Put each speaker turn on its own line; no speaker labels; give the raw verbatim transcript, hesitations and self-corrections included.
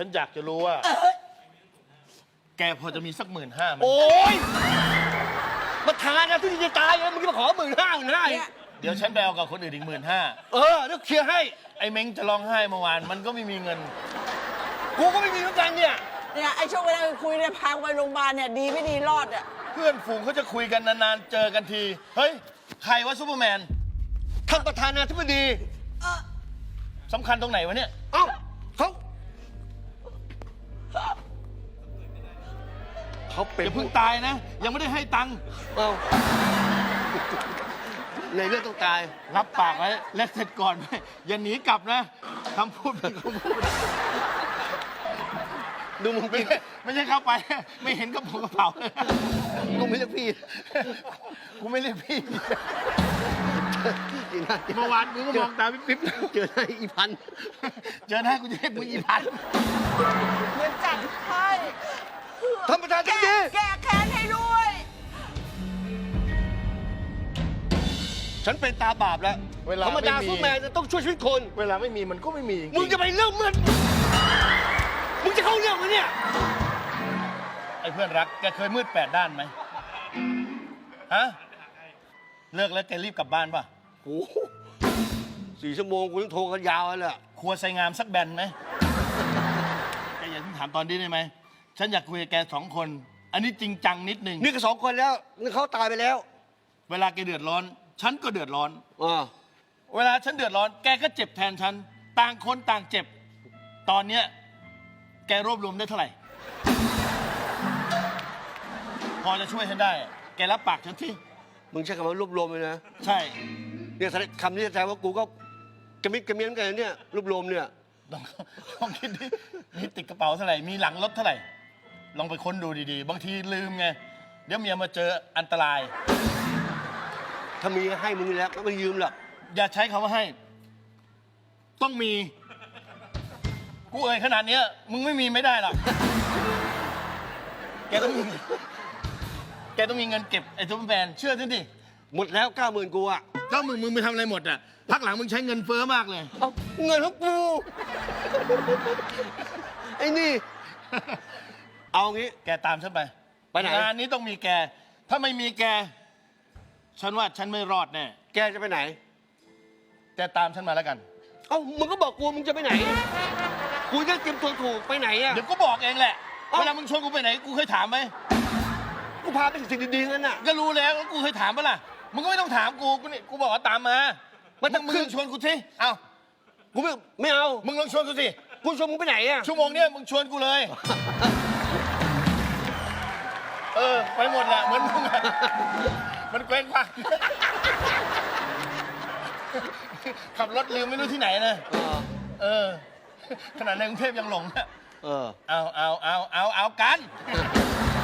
ฉันอยากจะรู้ว่าแกพอจะมีสักหมื่นห้าไหม
โอ้ยประธานนะทุกทีจะตายเลยมึงจะมาขอหมื่นห้าหมื่นห้า
เดี๋ยวฉันไปเอากับคนอื่นอีกหมื่นห้า
เออเดี๋ยวเคลียร์ให้
ไอ้เม้งจะร้องไห้เมื่อวานมันก็ไม่มีเงิน
กูก็ไม่มีเหมือนกันเนี่ย
เนี่ยไอ้ช่วงเวลาคุยเนี่ยพาไปโรงพยาบาลเนี่ยดีไม่ดีรอดอ่ะ
เพื่อนฝูงเขาจะคุยกันนานๆเจอกันที เฮ้ย ใครวะซูเปอร์แมน
ท่านประธานาธิบดี
สำคัญตรงไหนวะเนี่ย
เอ้าเขาเขาเป็น
อย่าเพิ่งตายนะ ยังไม่ได้ให้ตังค์
เอ้าในเรื่องต้องตาย
รับปากไว้และเสร็จก่อนไหมอย่าหนีกลับนะคำพูดเป็นคำพูด
ดูมึง
ไม่
กิน
ใช่ไม่ใช่เข้าไป ไม่เห็นกระเป๋ากระเป๋าเลย
กูไม่เรียกพี่
กูไม่เรียกพี่
จริงนะ
เมื่อวานกูก็มองตาปิ๊บ
เจอหน้าอีพัน
ๆเจอหน้ากูจะเรียกมึงอีพัน
เงินจัดให้
ท่านประธานธิบ
แก้
ดี
แก้แค้นให้ด้วย
ฉันเป็นตาบาปแล้ว
เวลา
ธรรมดา
ไม่มี
ซูเปอร์แมนจะต้องช่วยชีวิตคน
เวลาไม่มีมันก็ไม่มีจริ
มึงจะไปเรื่องมันมึงจะเข้าเรื่องไหมเนี่ย
ไอ้เพื่อนรักแกเคยมืดแปดด้านไหมฮะเลิกแล้วแกรีบกลับบ้านป่ะ
โอ้โหสี่ชั่วโมงกูต้องโทรกันยาวเลย
ครัวไซงามสักแบนไหมแกอย่าเพิ่งถามตอนนี้ได้ไหมฉันอยากคุยกับแกสองคน อันนี้จริงจังนิดนึง
นี่ก็สองคนแล้วนี่เขาตายไปแล้ว
เวลาแกเดือดร้อน ฉันก็เดือดร้อน
อ่า
เวลาฉันเดือดร้อน แกก็เจ็บแทนฉัน ต่างคนต่างเจ็บ ตอนเนี้ยแกรวบรวมได้เท่าไหร่ พอจะช่วยฉันได้ แกรับปากฉันที่
มึงใช้คำว่ารวบรวมเลยนะ
ใช่
เนี่ยคำนี้แสดงว่ากูก็กระมิดกระเมียนกันเนี่ยรวบรวมเนี่ย
ลองลองคิดดิ มีติดกระเป๋าเท่าไหร่ มีหลังรถเท่าไหร่ ลองไปค้นดูดีๆ บางทีลืมไง เดี๋ยวเมียมาเจออันตราย
ถ้ามีก็ให้มึงแล้วก็ไม่ยืมหรอก
อย่าใช้คำว่าให้ ต้องมี กูเอ่ยขนาดเนี้ย มึงไม่มีไม่ได้หรอก แกต้องมี แกต้องมีเงินเก็บไอ้ซุปเปอร์แมนเชื่อฉันดิ
หมดแล้วเก้าหมื่นกูอะ
เจ้ามึงมึงไปทำอะไรหมดอ่ะ พักหลังมึงใช้เงินเฟ้อมากเลย
เอาเงินของกูไอ้นี่ เอางี้
แกตามฉันไป
ไปไหน
งานนี้ต้องมีแก ถ้าไม่มีแก ฉันว่าฉันไม่รอดแน่
แกจะไปไหน
แกตามฉันมาแล้วกัน
เอ้ามึงก็บอกกูมึงจะไปไหน กูจะเตรียมตัวถูกไปไหนอะ
เดี๋ยวก็บอกเองแหละ
เอ้า
เวลามึงชวนกูไปไหน กูเคยถามไหม
กูพาไปสิ่งดีๆนั่นน่ะ
ก็รู้แล้วแล้วกูเคยถามปะล่ะ มึงก็ไม่ต้องถามกู กูนี่กูบอกว่าตามมา
มั
มึ
นจะ
งมึง
ขึ้น
ลองชวนกูสิ เอ้า
กูไม่ไม่เอา
มึงลองชวนกูสิ
กูชวนมึงไปไหนอะ
ชั่วโมงเนี้ยมึงชวนกูเลย เออ ไปหมดแหละเหมือนมึงอะมันเกว้งคว้างขับรถลืมไม่รู้ที่ไหนนะ
เออ
เออ ขนาดในกรุงเทพยังหลงนะ
เออ
เอาเอาเอาเอาเอากัน